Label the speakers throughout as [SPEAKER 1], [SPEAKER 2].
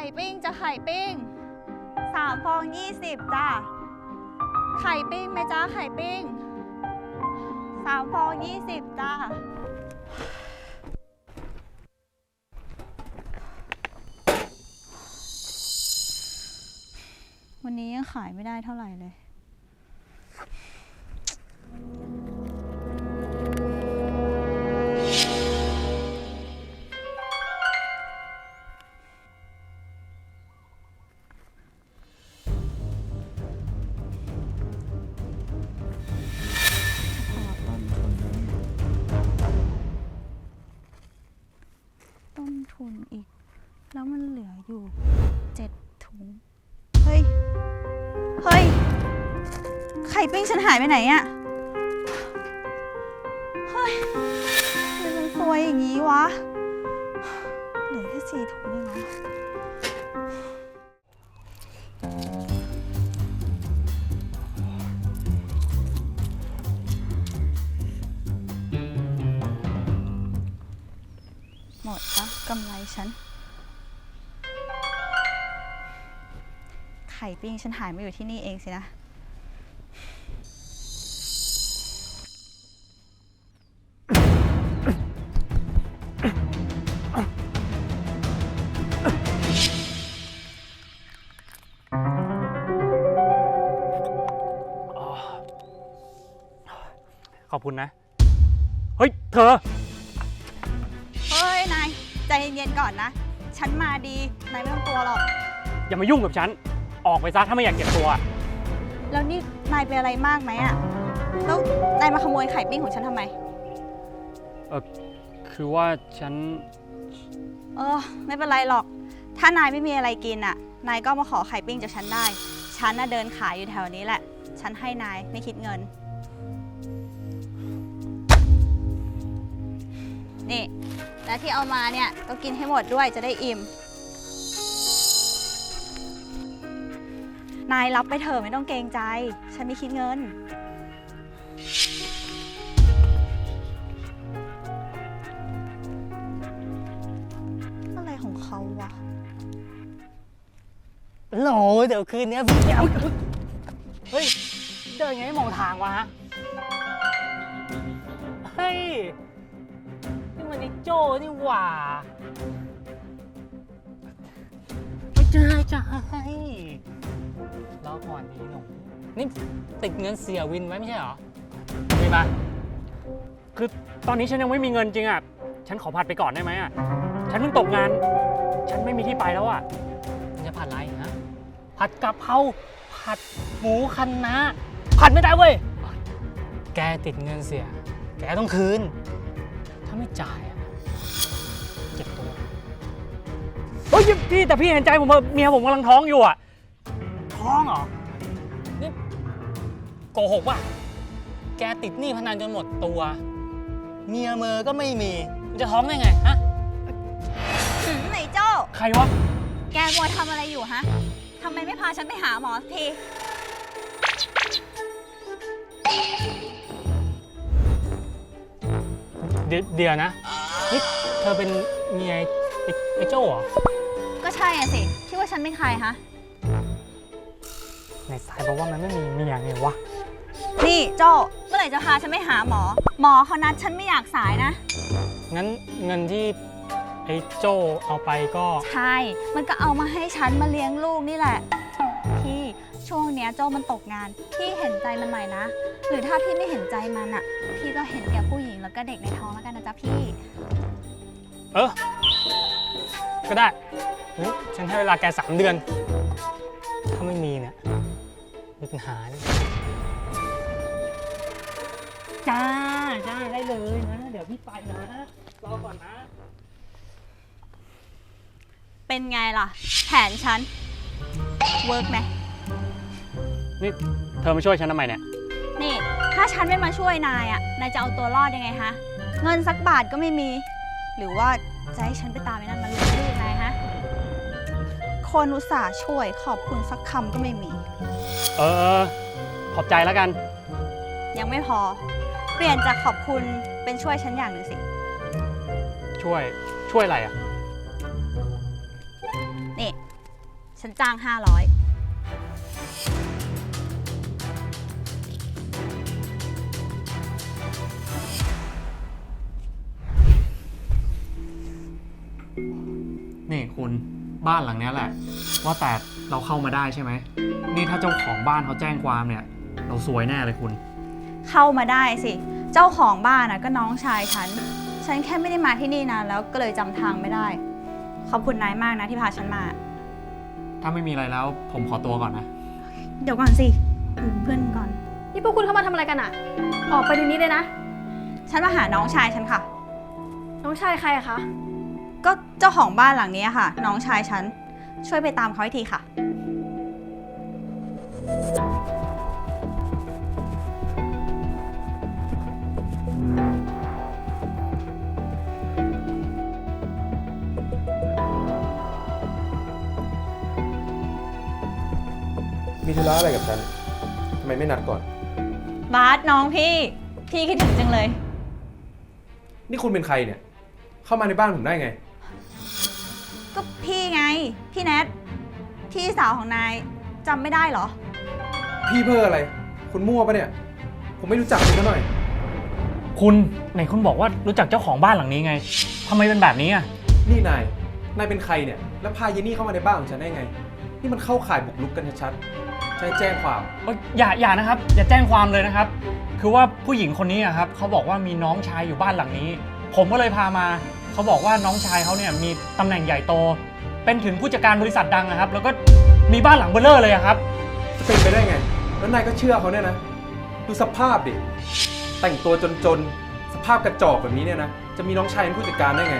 [SPEAKER 1] ปิ้งจะไข่ปิ้ง3 ฟอง 20จ้าไข่ปิ้งไหมจ้าไข่ปิ้ง3 ฟอง 20จ้าวันนี้ยังขายไม่ได้เท่าไหร่เลยต้นทุนอีกแล้วมันเหลืออยู่7 ถุงเฮ้ยไข่ปิ้งฉันหายไปไหนอะเฮ้ยทำไมมันซวยอย่างนี้วะเหลือแค่4 ถุงเองเหรอหมดละกำไรฉันไข่ปิ้งฉันหายมาอยู่ที่นี่เองสินะ
[SPEAKER 2] ขอบคุณนะเฮ้ยเธอ
[SPEAKER 1] เฮ้ยนายใจเย็นๆก่อนนะฉันมาดีนายไม่ต้องกลัวหรอก
[SPEAKER 2] อย่ามายุ่งกับฉันออกไปซะถ้าไม่อยากเก็บตัว
[SPEAKER 1] แล้วนี่นายเป็นอะไรมากไหมอะแล้วนายมาขโมยไข่ปิ้งของฉันทำไม
[SPEAKER 2] คือว่าฉัน
[SPEAKER 1] ไม่เป็นไรหรอกถ้านายไม่มีอะไรกินอะนายก็มาขอไข่ปิ้งจากฉันได้ฉันน่ะเดินขายอยู่แถวนี้แหละฉันให้นายไม่คิดเงินนี่และที่เอามาเนี่ยก็กินให้หมดด้วยจะได้อิ่มนายรับไปเถอะไม่ต้องเกรงใจฉันไม่คิดเงินอะไรของเขาวะ
[SPEAKER 2] โหลเดี๋ยวคืนนี้พี่เอาเฮ้ยเดินไงให้มองทางวะเฮ้ยนี่มันไอ้โจ้นี่หว่าไม่ใช่รอก่อนดีหนูนี่ติดเงินเสียวินไว้ไม่ใช่เหรอมีมาคือตอนนี้ฉันยังไม่มีเงินจริงอ่ะฉันขอผัดไปก่อนได้ไหมอ่ะฉันเพิ่งตกงานฉันไม่มีที่ไปแล้วอ่ะจะผัดอะไรนะผัดกะเพราผัดหมูคะน้าผัดไม่ได้เว้ยแกติดเงินเสียแกต้องคืนถ้าไม่จ่ายอ่ะเจ็บตัวเฮ้ยพี่แต่พี่เห็นใจผมเมียผมกำลังท้องอยู่อ่ะท้องเหรอนี่โกหกว่ะแกติดหนี้พนันจนหมดตัวเมียเมอก็ไม่มีจะท้องได้ไงฮะ
[SPEAKER 1] ไหนโจ้
[SPEAKER 2] ใครวะ
[SPEAKER 1] แกมัวทำอะไรอยู่ฮะทำไมไม่พาฉันไปหาหมอที
[SPEAKER 2] เดี๋ยวนะนี่เธอเป็นเมียไอ้โจ้เหรอ
[SPEAKER 1] ก็ใช่อะสิคิดว่าฉันเป็นใครฮะ
[SPEAKER 2] ในสายบอกว่ามันไม่มีเมียไงวะ
[SPEAKER 1] นี่โจ้เมื่อไหร่จะพาฉันไปหาหมอเขานัดฉันไม่อยากสายนะ
[SPEAKER 2] งั้นเงินที่ไอ้โจ้เอาไปก็
[SPEAKER 1] ใช่มันก็เอามาให้ฉันมาเลี้ยงลูกนี่แหละพี่ช่วงเนี้ยโจ้มันตกงานพี่เห็นใจมันหน่อยนะหรือถ้าพี่ไม่เห็นใจมันอะพี่ก็เห็นแก่ผู้หญิงแล้วก็เด็กในท้องแล้วกันนะจ๊ะพี่
[SPEAKER 2] ก็ได้ฉันให้เวลาแก3 เดือนถ้าไม่มีเนี่ยมีปัญหาเลยจ้าได้เลยนะเดี๋ยวพี่ไปนะรอก่อนนะ
[SPEAKER 1] เป็นไงล่ะแผนฉันเวิร์กไหม
[SPEAKER 2] นี่เธอมาช่วยฉันทำไมเนี่ย
[SPEAKER 1] นี่ถ้าฉันไม่มาช่วยนายอะนายจะเอาตัวรอดยังไงฮะเงินสักบาทก็ไม่มีหรือว่าจะให้ฉันไปตามไอ้นั่นมาลูกนายฮะคนอุตส่าห์ช่วยขอบคุณสักคำก็ไม่มี
[SPEAKER 2] ขอบใจแล้วกัน
[SPEAKER 1] ยังไม่พอเปลี่ยนจากขอบคุณเป็นช่วยฉันอย่างหนึ่งสิ
[SPEAKER 2] ช่วยอะไรอ่ะ
[SPEAKER 1] นี่ฉันจ้าง 500
[SPEAKER 2] นี่คุณบ้านหลังนี้แหละ ว่าแต่เราเข้ามาได้ใช่ไหมนี่ถ้าเจ้าของบ้านเขาแจ้งความเนี่ย เราซวยแน่เลยคุณ
[SPEAKER 1] เข้ามาได้สิ เจ้าของบ้านก็น้องชายฉันแค่ไม่ได้มาที่นี่นานแล้วก็เลยจำทางไม่ได้ ขอบคุณนายมากนะที่พาฉันมา
[SPEAKER 2] ถ้าไม่มีอะไรแล้วผมขอตัวก่อนนะ
[SPEAKER 1] เดี๋ยวก่อนสิดูเพื่อนก่อน
[SPEAKER 3] นี่พวกคุณเข้ามาทำอะไรกันอะออกไปเดี๋ยวนี้เลยนะ
[SPEAKER 1] ฉันมาหาน้องชายฉันค่ะ
[SPEAKER 3] น้องชายใครอะคะ
[SPEAKER 1] ก็เจ้าของบ้านหลังนี้ค่ะ น้องชายฉัน ช่วยไปตามเขาให้ทีค่ะ
[SPEAKER 4] มีธุระอะไรกับฉัน ทำไมไม่นัดก่อน
[SPEAKER 1] บาสน้องพี่คิดถึงจังเลย
[SPEAKER 4] นี่คุณเป็นใครเนี่ย เข้ามาในบ้านผมได้ไง
[SPEAKER 1] ก็พี่ไง พี่แนทพี่สาวของนายจำไม่ได้เหรอ
[SPEAKER 4] พี่เพ้ออะไร คุณมั่วปะเนี่ย ผมไม่รู้จักคุณซะหน่อย
[SPEAKER 2] คุณไหนคุณบอกว่ารู้จักเจ้าของบ้านหลังนี้ไงทำไมเป็นแบบนี้อ่ะ
[SPEAKER 4] นี่นายเป็นใครเนี่ย แล้วพาเยนี่เข้ามาในบ้านของฉันได้ไง นี่มันเข้าข่ายบุกรุกกันชัดๆฉันจะแจ้งความ
[SPEAKER 2] อย่านะครับ อย่าแจ้งความเลยนะครับ คือว่าผู้หญิงคนนี้อะครับเขาบอกว่ามีน้องชายอยู่บ้านหลังนี้ ผมก็เลยพามาเขาบอกว่าน้องชายเขาเนี่ยมีตำแหน่งใหญ่โต เป็นถึงผู้จัดการบริษัทดังนะครับ แล้วก็มีบ้านหลังเบ้อเร่อเลยอะครับ
[SPEAKER 4] จะเป็นไปได้ไง แล้วนายก็เชื่อเขาเนี่ยนะ ดูสภาพดิ แต่งตัวจนๆ สภาพกระจอกแบบนี้เนี่ยนะ จะมีน้องชายเป็นผู้จัดการได้ไง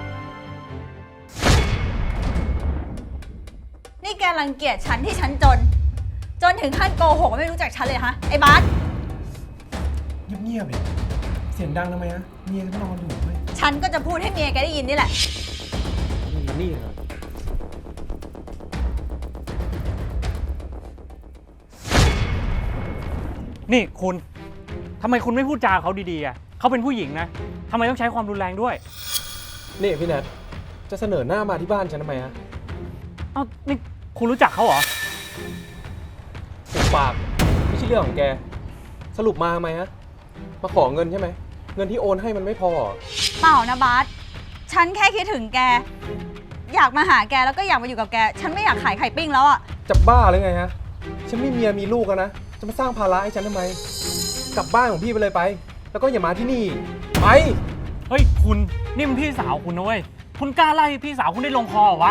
[SPEAKER 1] นี่แกรังเกียจฉันที่ฉันจนถึงขั้นโกหกว่าไม่รู้จักฉันเลยฮะไอ้บาส
[SPEAKER 4] เงียบๆเลยเสียงดังทำไมฮะเมียก็นอนอยู่เว้ย
[SPEAKER 1] ฉันก็จะพูดให้เมียแกได้ยินนี่แหละ
[SPEAKER 4] นี่เหรอ
[SPEAKER 2] นี่คุณทำไมคุณไม่พูดจาเขาดีๆอ่ะเขาเป็นผู้หญิงนะทำไมต้องใช้ความรุนแรงด้วย
[SPEAKER 4] นี่พี่แนทจะเสนอหน้ามาที่บ้านฉันทำไมฮะ
[SPEAKER 2] เอ้านี่คุณรู้จักเขาเหรอ
[SPEAKER 4] ปุบปากไม่ใช่เรื่องของแก สรุปมาทำไมฮะ มาขอเงินใช่ไหม เงินที่โอนให้มันไม่พอ
[SPEAKER 1] เปล่านะบาสฉันแค่คิดถึงแก อยากมาหาแกแล้วก็อยากมาอยู่กับแก ฉันไม่อยากขายไข่ปิ้งแล้วอะ
[SPEAKER 4] จะบ้าหรือไงฮะ ฉันมีเมียมีลูกแล้วนะ จะมาสร้างภาระให้ฉันทำไม กลับบ้านของพี่ไปเลยไป แล้วก็อย่ามาที่นี่ ไป
[SPEAKER 2] เฮ้ยคุณนี่มันพี่สาวคุณนะเว้ยคุณกล้าไล่พี่สาวคุณได้ลงคอเหรอวะ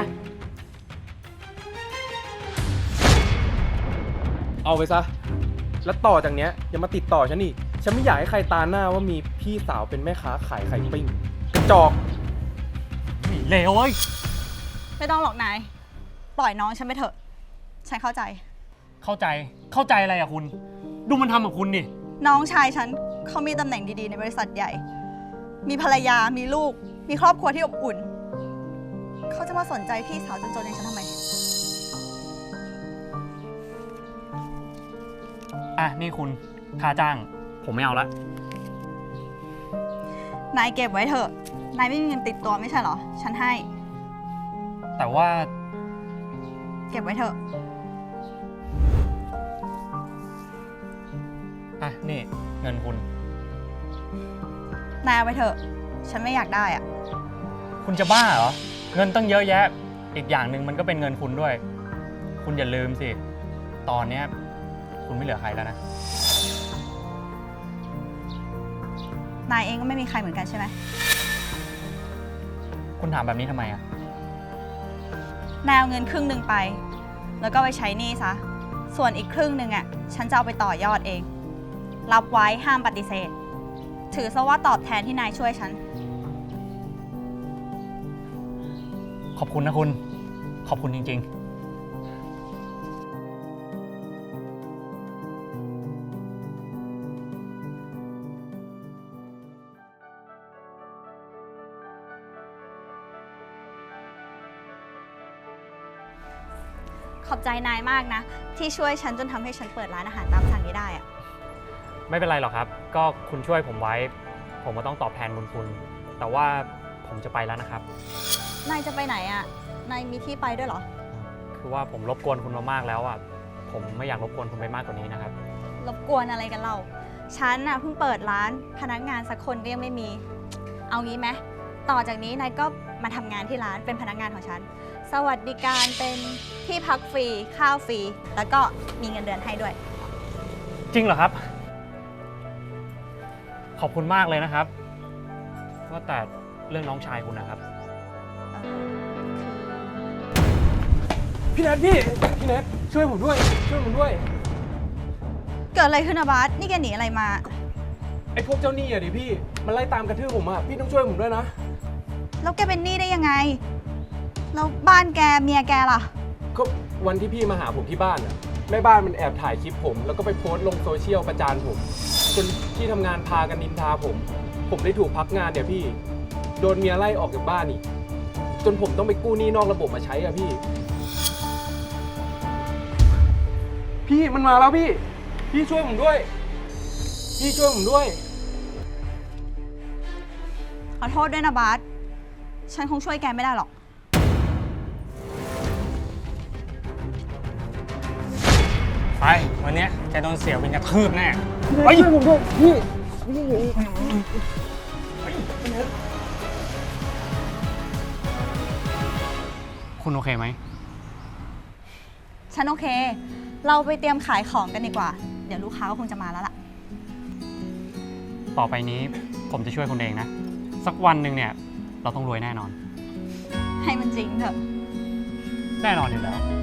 [SPEAKER 4] เอาไปซะ แล้วต่อจากเนี้ยอย่ามาติดต่อฉันอีก ฉันไม่อยากให้ใครตาหน้าว่ามีพี่สาวเป็นแม่ค้าขายไข่ปิ้งกระจอก
[SPEAKER 2] เลวเว้ย
[SPEAKER 1] ไม่ต้องหรอกนาย ปล่อยน้องฉันไปเถอะ ฉันเข้าใจ
[SPEAKER 2] เข้าใจอะไรอะคุณ ดูมันทำกับคุณดิ
[SPEAKER 1] น้องชายฉันเขามีตำแหน่งดีๆในบริษัทใหญ่ มีภรรยา มีลูก มีครอบครัวที่อบอุ่น เขาจะมาสนใจพี่สาวจนๆอย่างฉันทำไม
[SPEAKER 2] อ่ะนี่คุณค่าจ้าง ผมไม่เอาละ
[SPEAKER 1] นายเก็บไว้เถอะ นายไม่มีเงินติดตัวไม่ใช่เหรอ ฉันให้
[SPEAKER 2] แต่ว่า
[SPEAKER 1] เก็บไว้เถอะ
[SPEAKER 2] อ่ะนี่เงินคุณ
[SPEAKER 1] นายเอาไว้เถอะ ฉันไม่อยากได้อะ
[SPEAKER 2] คุณจะบ้าเหรอ เงินตั้งเยอะแยะ อีกอย่างหนึ่งมันก็เป็นเงินคุณด้วย คุณอย่าลืมสิ ตอนเนี้ยคุณไม่เหลือใครแล้วนะ
[SPEAKER 1] นายเองก็ไม่มีใครเหมือนกันใช่ไหม
[SPEAKER 2] คุณถามแบบนี้ทำไมอะ
[SPEAKER 1] นายเอาเงินครึ่งหนึ่งไป แล้วก็ไปใช้หนี้ซะ ส่วนอีกครึ่งหนึ่งฉันจะเอาไปต่อยอดเอง รับไว้ห้ามปฏิเสธ ถือซะว่าตอบแทนที่นายช่วยฉัน
[SPEAKER 2] ขอบคุณนะคุณ ขอบคุณจริง ๆ
[SPEAKER 1] ขอบใจนายมากนะ ที่ช่วยฉันจนทำให้ฉันเปิดร้านอาหารตามสั่งนี้ได้อะ
[SPEAKER 2] ไม่เป็นไรหรอกครับ ก็คุณช่วยผมไว้ ผมก็ต้องตอบแทนบุญคุณ แต่ว่าผมจะไปแล้วนะครับ
[SPEAKER 1] นายจะไปไหนอะนายมีที่ไปด้วยเหรอ
[SPEAKER 2] คคือว่าผมรบกวนคุณมามากแล้วอ่ะ ผมไม่อยากรบกวนคุณไปมากกว่านี้นะครับ
[SPEAKER 1] รบกวนอะไรกันเราฉันน่ะเพิ่งเปิดร้านพนักงานสักคนก็ยังไม่มี เอางี้ไหมต่อจากนี้นายก็มาทำงานที่ร้านเป็นพนักงานของฉัน สวัสดิการเป็นที่พักฟรีข้าวฟรีแล้วก็มีเงินเดือนให้ด้วย
[SPEAKER 2] จริงเหรอครับ ขอบคุณมากเลยนะครับว่าแต่เรื่องน้องชายคุณนะครับ
[SPEAKER 4] พี่แนทพี่แนทช่วยผมด้วย ช่วยผมด้วย
[SPEAKER 1] เกิดอะไรขึ้นอะบาสนี่แกหนีอะไรมา
[SPEAKER 4] ไอ้พวกเจ้าหนี้อะดิพี่ มันไล่ตามกระทืบผมอะพี่ต้องช่วยผมด้วยนะ
[SPEAKER 1] แล้วแกเป็นหนี้ได้ยังไงแล้วบ้านแกเมียแกล่ะ
[SPEAKER 4] ก็วันที่พี่มาหาผมที่บ้านอะแม่บ้านมันแอบถ่ายคลิปผม แล้วก็ไปโพสต์ลงโซเชียลประจานผม จนที่ทำงานพากันนินทาผมได้ถูกพักงานเนี่ยพี่ โดนเมียไล่ออกจากบ้านอีก จนผมต้องไปกู้หนี้นอกระบบมาใช้อะพี่ พี่มันมาแล้วพี่ พี่ช่วยผมด้วย พี่ช่วยผมด้วย
[SPEAKER 1] ขอโทษด้วยนะบาสฉันคงช่วยแกไม่ได้หรอก
[SPEAKER 2] ไป วันเนี้ยแกโดนเสียวินกระทืบแน่
[SPEAKER 4] ไปช่วยผมด้วยพี่
[SPEAKER 2] คุณโอเคไหม
[SPEAKER 1] ฉันโอเค เราไปเตรียมขายของกันดีกว่า เดี๋ยวลูกค้าก็คงจะมาแล้วล่ะ
[SPEAKER 2] ต่อไปนี้ผมจะช่วยคุณเองนะ สักวันหนึ่งเนี่ย เราต้องรวยแน่นอน
[SPEAKER 1] ให้มันจริงเถอะ
[SPEAKER 2] แน่นอนอยู่แล้ว